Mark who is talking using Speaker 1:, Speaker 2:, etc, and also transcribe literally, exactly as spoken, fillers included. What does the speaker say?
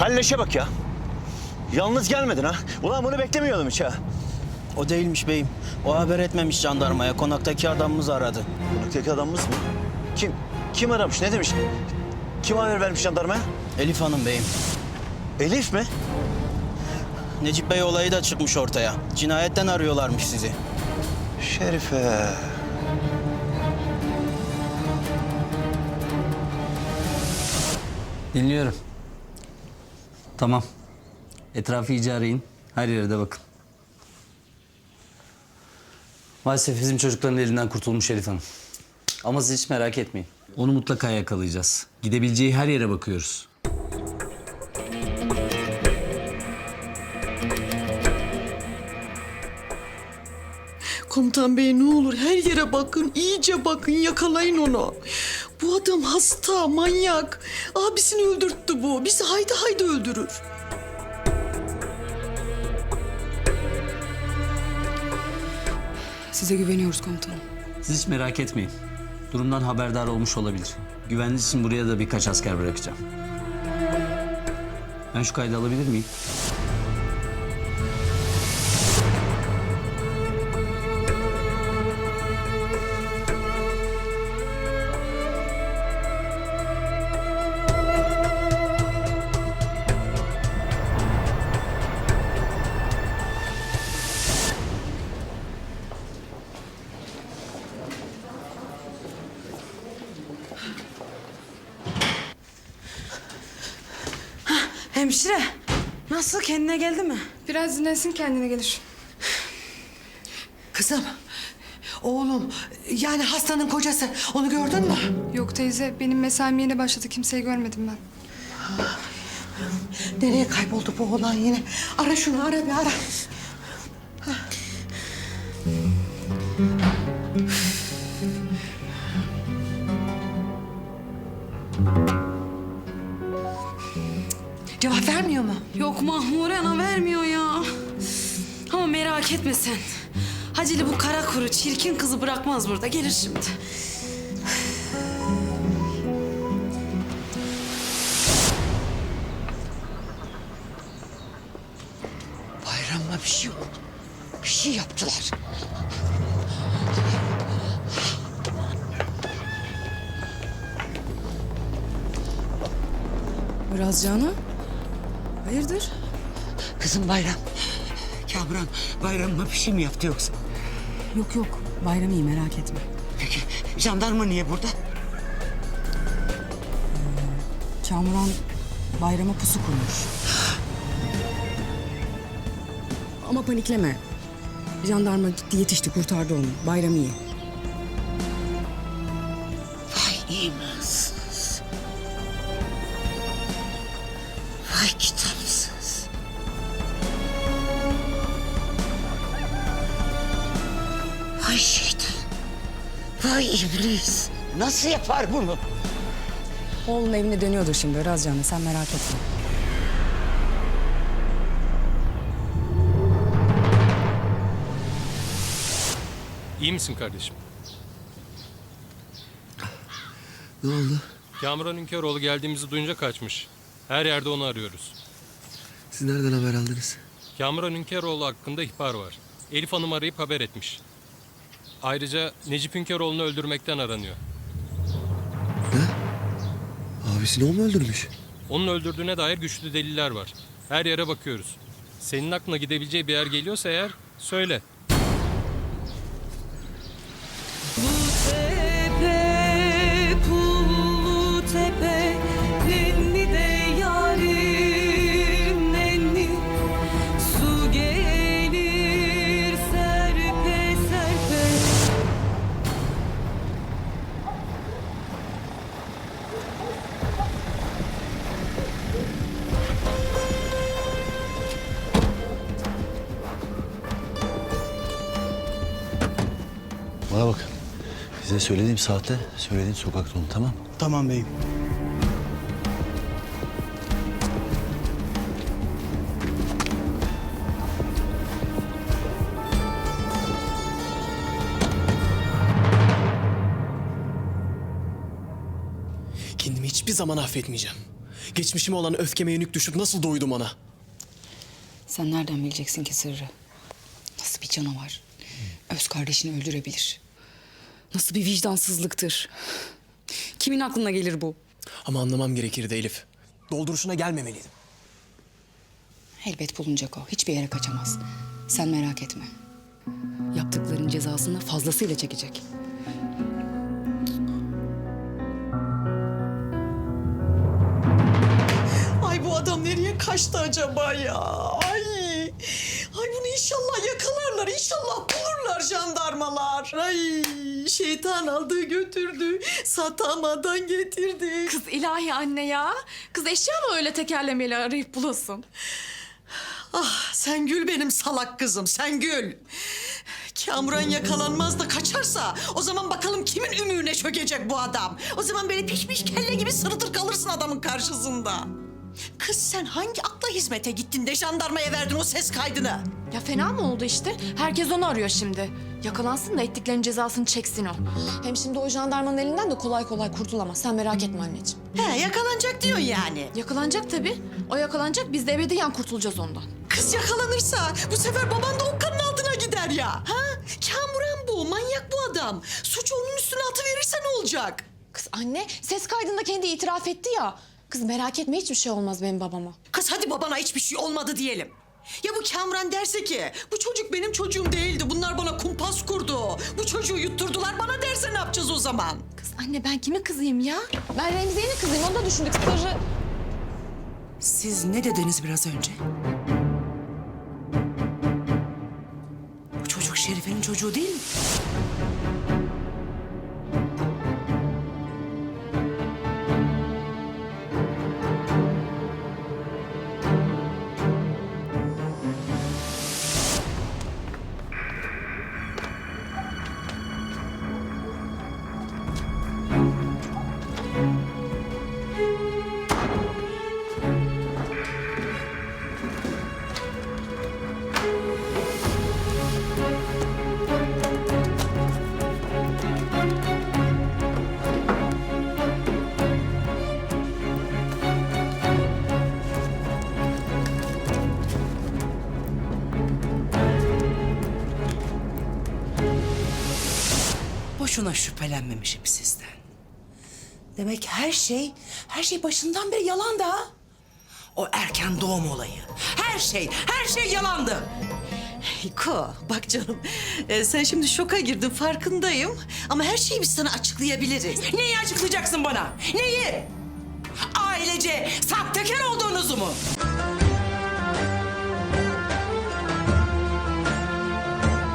Speaker 1: Kalleşe bak ya. Yalnız gelmedin ha. Ulan bunu beklemiyordum hiç ha.
Speaker 2: O değilmiş beyim. O haber etmemiş jandarmaya. Konaktaki adamımız aradı.
Speaker 1: Konaktaki adamımız mı? Kim? Kim aramış? Ne demiş? Kim haber vermiş jandarmaya?
Speaker 2: Elif Hanım beyim.
Speaker 1: Elif mi?
Speaker 2: Necip Bey olayı da çıkmış ortaya. Cinayetten arıyorlarmış sizi.
Speaker 1: Şerife.
Speaker 3: Dinliyorum. Tamam. Etrafı iyice arayın. Her yere de bakın. Maalesef bizim çocukların elinden kurtulmuş Elif Hanım. Ama siz hiç merak etmeyin. Onu mutlaka yakalayacağız. Gidebileceği her yere bakıyoruz.
Speaker 4: Komutan bey ne olur her yere bakın, iyice bakın, yakalayın onu. Bu adam hasta, manyak. Abisini öldürttü bu. Bizi haydi haydi öldürür.
Speaker 5: Size güveniyoruz komutanım.
Speaker 3: Siz hiç merak etmeyin. Durumdan haberdar olmuş olabilir. Güvenliğiniz için buraya da birkaç asker bırakacağım. Ben şu kaydı alabilir miyim?
Speaker 6: Hemşire, nasıl, kendine geldi mi?
Speaker 5: Biraz dinlensin, kendine gelir.
Speaker 4: Kızım, oğlum, yani hastanın kocası. Onu gördün mü?
Speaker 5: Yok teyze, benim mesaim yeni başladı. Kimseyi görmedim ben.
Speaker 4: Nereye kayboldu bu oğlan yine? Ara şunu, ara bir ara. Cevap vermiyor mu?
Speaker 6: Yok Mahmure ana vermiyor ya. Ama merak etme sen. Haceli bu kara kuru çirkin kızı bırakmaz burada. Gelir şimdi.
Speaker 4: Bayramla bir şey oldu. Bir şey yaptılar.
Speaker 5: Razcan'a? Hayırdır?
Speaker 4: Kızım Bayram. Kamran Bayram'la bir şey mi yaptı yoksa?
Speaker 5: Yok yok, Bayram iyi, merak etme.
Speaker 4: Peki jandarma niye burada?
Speaker 5: Kamuran Bayram'a pusu kurmuş. Ama panikleme. Jandarma gitti, yetişti, kurtardı onu. Bayram iyi.
Speaker 4: Vay imansız. Vay kitapsız. Vay şeytan. Vay iblis. Nasıl yapar bunu?
Speaker 5: Oğlun evine dönüyordur şimdi Razcan'a, sen merak etme.
Speaker 7: İyi misin kardeşim?
Speaker 8: Ne oldu?
Speaker 7: Kamuran Ünkeroğlu geldiğimizi duyunca kaçmış. Her yerde onu arıyoruz.
Speaker 8: Siz nereden haber aldınız?
Speaker 7: Kamuran Ünkeroğlu hakkında ihbar var. Elif Hanım arayıp haber etmiş. Ayrıca Necip Ünkeroğlu'nu öldürmekten aranıyor.
Speaker 8: Abisini o mu öldürmüş?
Speaker 7: Onun öldürdüğüne dair güçlü deliller var. Her yere bakıyoruz. Senin aklına gidebileceği bir yer geliyorsa eğer söyle.
Speaker 6: Tepe, pullu tepe, nenni de yarim nenni. Su gelir serpe serpe.
Speaker 1: Bana bak. Size söylediğim saatte söylediğim sokakta olun, tamam?
Speaker 2: Tamam beyim.
Speaker 9: Kendimi hiçbir zaman affetmeyeceğim. Geçmişime olan öfkeme yenik düşüp nasıl doydum ona?
Speaker 5: Sen nereden bileceksin ki sırrı? Nasıl bir canavar? Öz kardeşini öldürebilir. Nasıl bir vicdansızlıktır? Kimin aklına gelir bu?
Speaker 9: Ama anlamam gerekirdi Elif. Dolduruşuna gelmemeliydim.
Speaker 5: Elbet bulunacak o. Hiçbir yere kaçamaz. Sen merak etme. Yaptıkların cezasını fazlasıyla çekecek.
Speaker 4: Ay bu adam nereye kaçtı acaba ya? Ay. Ay bunu inşallah yakalarlar. İnşallah bulurlar jandarmalar. Ay şeytan aldı götürdü. Satamadan getirdi.
Speaker 10: Kız ilahi anne ya. Kız eşya mı öyle tekerlemeyle arayıp bulasın?
Speaker 4: Ah sen gül benim salak kızım sen gül. Kamuran yakalanmaz da kaçarsa o zaman bakalım kimin ümüğüne çökecek bu adam. O zaman böyle pişmiş kelle gibi sırıtır kalırsın adamın karşısında. Kız sen hangi akla hizmete gittin de jandarmaya verdin o ses kaydını?
Speaker 10: Ya fena mı oldu işte? Herkes onu arıyor şimdi. Yakalansın da ettiklerinin cezasını çeksin o. Hem şimdi o jandarmanın elinden de kolay kolay kurtulamaz. Sen merak etme anneciğim.
Speaker 4: He yakalanacak diyorsun yani.
Speaker 10: Yakalanacak tabii. O yakalanacak, biz de ebediyen kurtulacağız ondan.
Speaker 4: Kız yakalanırsa bu sefer baban da okkanın altına gider ya. Ha? Kamuran bu, manyak bu adam. Suç onun üstüne atıverirse ne olacak?
Speaker 10: Kız anne, ses kaydında kendi itiraf etti ya. Kız merak etme, hiçbir şey olmaz benim babama.
Speaker 4: Kız hadi babana hiçbir şey olmadı diyelim. Ya bu Kamuran derse ki bu çocuk benim çocuğum değildi. Bunlar bana kumpas kurdu. Bu çocuğu yutturdular bana derse ne yapacağız o zaman?
Speaker 10: Kız anne ben kime kızayım ya? Ben Remziye'nin kızıyım, onu da düşündük sırrı.
Speaker 11: Siz ne dediniz biraz önce? Bu çocuk Şerife'nin çocuğu değil mi? Boşuna şüphelenmemişim sizden. Demek her şey, her şey başından beri yalan da. O erken doğum olayı. Her şey, her şey yalandı.
Speaker 4: Hiko bak canım e, sen şimdi şoka girdin farkındayım. Ama her şeyi biz sana açıklayabiliriz.
Speaker 11: Neyi açıklayacaksın bana? Neyi? Ailece sahtekar olduğunuzu mu?